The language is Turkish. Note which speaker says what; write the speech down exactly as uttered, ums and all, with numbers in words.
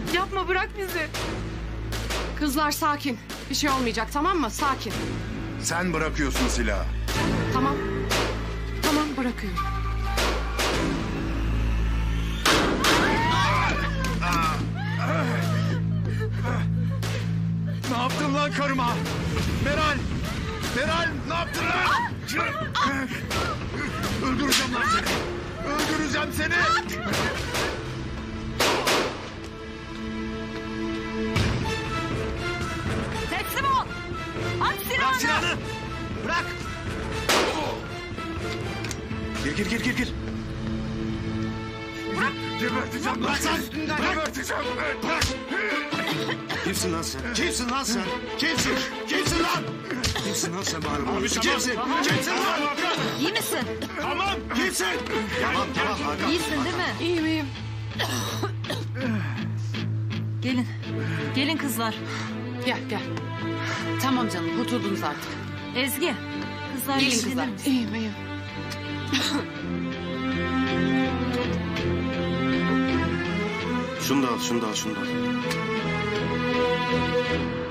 Speaker 1: Yapma, bırak bizi.
Speaker 2: Kızlar sakin. Bir şey olmayacak, tamam mı? Sakin.
Speaker 3: Sen bırakıyorsun silahı.
Speaker 2: Tamam. Tamam, bırakıyorum.
Speaker 3: Ne yaptın lan karıma? Meral! Meral ne yaptın lan? Öldüreceğim lan seni. Öldüreceğim seni.
Speaker 1: Teslim ol. At silahını.
Speaker 3: Bırak silahını. Bırak. Gir gir gir gir gir. Bırak. Geberteceğim lan seni. Geberteceğim. Bırak.
Speaker 4: Kimsin lan sen? Kimsin lan sen? Kimsin? Kimsin lan? Kimsin lan sen bari? Abi kimsin? Kimsin lan?
Speaker 1: İyi misin?
Speaker 3: Tamam.
Speaker 4: Kimsin? Tamam tamam Hakan.
Speaker 1: İyisin değil mi?
Speaker 2: İyiyim, iyiyim.
Speaker 1: Gelin. Gelin kızlar.
Speaker 2: Gel, gel. Tamam canım, kurtuldunuz artık.
Speaker 1: Ezgi. Kızlar
Speaker 2: Gelin
Speaker 1: ilgilenir
Speaker 2: kızlar.
Speaker 1: misin?
Speaker 2: İyiyim, iyiyim.
Speaker 4: Şunu da al, şunu da al, şunu da al.